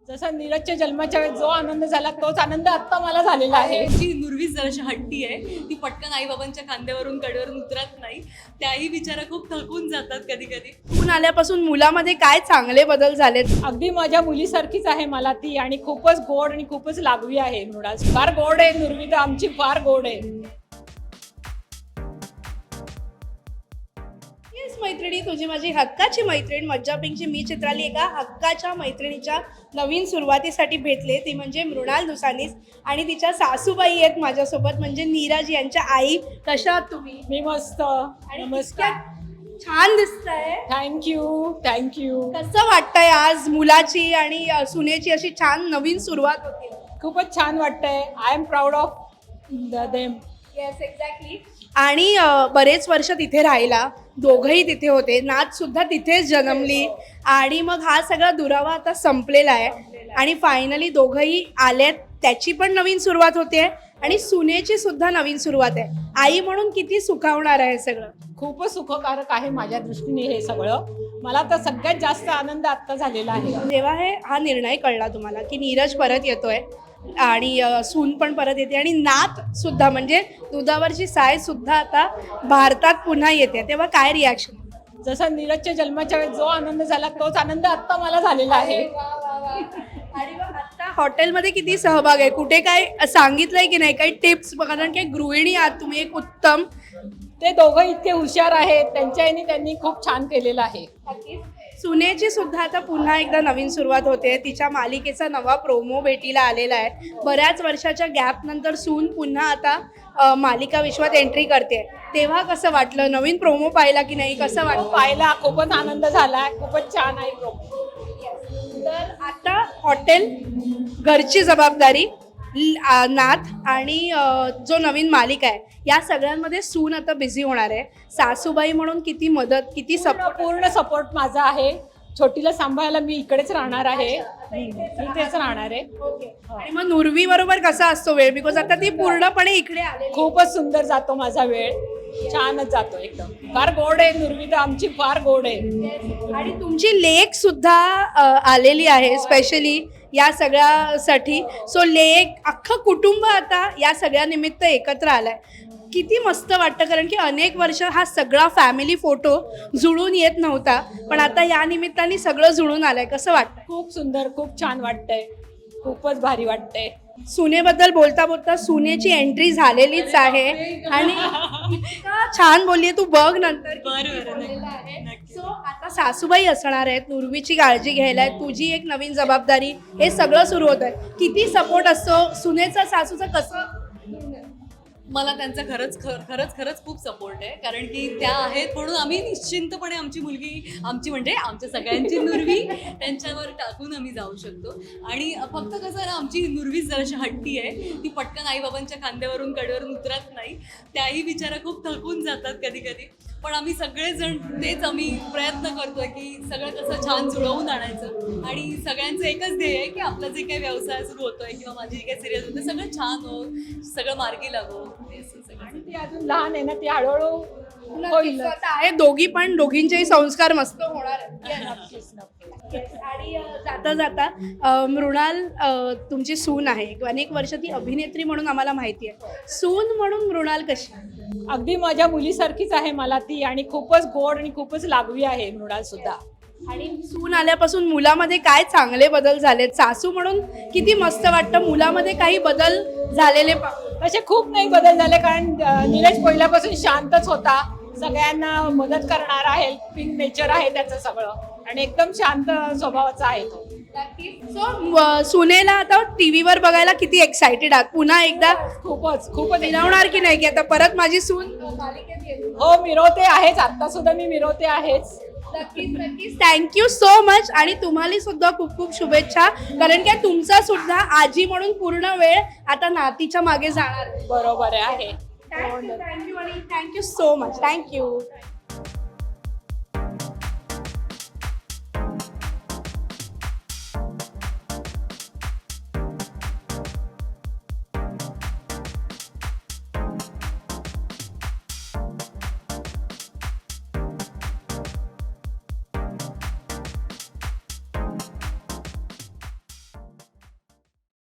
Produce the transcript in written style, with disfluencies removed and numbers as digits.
जसं नीरजच्या जन्माच्या वेळेस जो आनंद झाला तोच आनंद आता मला झालेला आहे. जी नुरवीच जराशी हट्टी आहे, ती पटकन आई बाबांच्या खांद्यावरून कडेवरून उतरत नाही. त्याही बिचारा खूप थकून जातात कधी कधी. सून आल्यापासून मुलामध्ये काय चांगले बदल झालेत? अगदी माझ्या मुलीसारखीच आहे मला ती, आणि खूपच गोड आणि खूपच लागवी आहे. मृणाल फार गोड आहे, नुरवी तर आमची फार गोड आहे. मैत्रिणी, तुझी माझी हक्काची मैत्रीण मज्जा पिंकची मी चित्राली एका हक्काच्या मैत्रिणीच्या नवीन सुरुवातीसाठी भेटले. ती म्हणजे मृणाल दुसानीस आणि तिच्या सासूबाई आहेत माझ्यासोबत, म्हणजे नीरज यांच्या आई. कशा आहात तुम्ही? मी मस्त. नमस्कार. छान दिसतंय. थँक्यू. कसं वाटतंय आज मुलाची आणि सुनेची अशी छान नवीन सुरुवात होती? खूपच छान वाटतंय. I am proud of them. Yes, exactly. आणि बरेच वर्ष तिथे राहिला, दोघंही तिथे होते, नात सुद्धा तिथेच जन्मली आणि मग हा सगळा दुरावा आता संपलेला आहे आणि फायनली दोघंही आलेत. त्याची पण नवीन सुरुवात होते आणि सुनेची सुद्धा नवीन सुरुवात आहे. आई म्हणून किती सुखावणार आहे सगळं. खूपच सुखकारक आहे माझ्या दृष्टीने हे सगळं. मला तर सगळ्यात जास्त आनंद आत्ता झालेला आहे. जेव्हा हा निर्णय कळला तुम्हाला की नीरज परत येतोय आणि सून पण परत येते आणि नात सुद्धा म्हणजे दुधावरची साय सुद्धा आता भारतात पुन्हा येते, तेव्हा काय रिॲक्शन? जसं नीरजच्या जन्माच्या वेळेस जो आनंद झाला तोच आनंद आता मला झालेला आहे. आणि मग आता हॉटेलमध्ये किती सहभाग आहे? कुठे काय सांगितलंय की नाही? काही टिप्स? कारण की गृहिणी आहात तुम्ही एक उत्तम. ते दोघं इतके हुशार आहेत, त्यांच्या याने त्यांनी खूप छान केलेलं आहे. सुनेची सुद्धा आता पुन्हा एकदा नवीन सुरुवात होते. तिच्या मालिकेचा नवा प्रोमो भेटीला आलेला आहे. बऱ्याच वर्षाच्या गॅप नंतर सून पुन्हा आता मालिका विश्वात एंट्री करते. तेव्हा कसं वाटलं? नवीन प्रोमो पाहिला की नाही? कसं वाटलं? पाहिला, खूपच आनंद झाला. खूपच छान आहे प्रोमो. तर आता हॉटेल, घरची जबाबदारी, नात आणि जो नवीन मालिका आहे, या सगळ्यांमध्ये सून आता बिझी होणार आहे. सासूबाई म्हणून किती मदत, किती सपोर्ट? पूर्ण सपोर्ट माझा आहे. छोटीला सांभाळायला मी इकडेच राहणार आहे. इथेच राहणार आहे. आणि मग नुरवी बरोबर कसा असतो वेळ? बिकॉज आता ती पूर्णपणे इकडे आले. खूपच सुंदर जातो माझा वेळ. छानच जातो एकदम. फार गोड आहे नुरवी तर आमची फार गोड आहे. आणि तुमची लेक सुद्धा आलेली आहे स्पेशली या सगळ्यासाठी. सो लेक, अख्खं कुटुंब आता या सगळ्या निमित्त एकत्र आलंय. किती मस्त वाटतं, कारण की अनेक वर्ष हा सगळा फॅमिली फोटो जुळून येत नव्हता, पण आता या निमित्ताने सगळं जुळून आलंय. कसं वाटतं? खूप सुंदर, खूप छान वाटतंय. खूपच भारी वाटतंय. सुनेबद्दल बोलता बोलता सुनेची एंट्री झालेलीच आहे आणि इतका छान बोललीये, तू बघ नंतर. सो आता सासूबाई असणार आहेत, नुरवीची काळजी घ्यायला, तुझी एक नवीन जबाबदारी, हे सगळं सुरू होत आहे. किती सपोर्ट असतो सुनेचा सासूचा? कसं? मला त्यांचा खरंच खूप सपोर्ट आहे, कारण की त्या आहेत म्हणून आम्ही निश्चिंतपणे आमची मुलगी, आमची म्हणजे आमच्या सगळ्यांची नुरवी त्यांच्यावर टाकून आम्ही जाऊ शकतो. आणि फक्त कसं आहे ना, आमची नुरवीच जराशी हट्टी आहे, ती पटकन आई बाबांच्या खांद्यावरून कडेवरून उतरत नाही. त्याही बिचारा खूप थकून जातात कधी कधी. पण आम्ही सगळेजण तेच आम्ही प्रयत्न करतोय की सगळं कसं छान जुळवून आणायचं. आणि सगळ्यांचं एकच ध्येय आहे की आपला जे काही व्यवसाय सुरू होतोय किंवा माझी जी काही सिरियल होते सगळं छान हो, सगळं मार्गी लागो. आणि ती अजून लहान आहे ना, ती हळूहळू होईल. आहे दोघी, पण दोघींचेही संस्कार मस्त होणार आहेत. आणि जाता जाता मृणाल, तुमची सून आहे, अनेक वर्ष ती अभिनेत्री म्हणून आम्हाला माहिती आहे. सून म्हणून मृणाल कशी? अगदी माझ्या मुलीसारखीच आहे मला ती, आणि खूपच गोड आणि खूपच लागवी आहे मृणाल सुद्धा. आणि सून आल्यापासून मुलामध्ये काय चांगले बदल झालेत? सासू म्हणून किती मस्त वाटतं. मुलामध्ये काही बदल झालेले असे खूप नाही बदल झाले, कारण नीरज पहिल्यापासून शांतच होता, सगळ्यांना मदत करणारा, हेल्पिंग नेचर आहे त्याचं सगळं, आणि एकदम शांत स्वभावाचा आहे तो. सो सुनेला आता टीव्हीवर बघायला किती एक्साइटेड आहात? पुन्हा एकदा खूपच मिरवणार की नाही, की आता परत माझी सून? हो, मिरवते आहेच, आता सुद्धा मी मिरवते आहेच. नक्कीच. Thank you so much. आणि तुम्हाला सुद्धा खूप खूप शुभेच्छा, कारण की तुमचा सुद्धा आजी म्हणून पूर्ण वेळ आता नातीच्या मागे जाणार. बरोबर आहे. थँक्यू आणि थँक्यू सो मच. थँक्यू.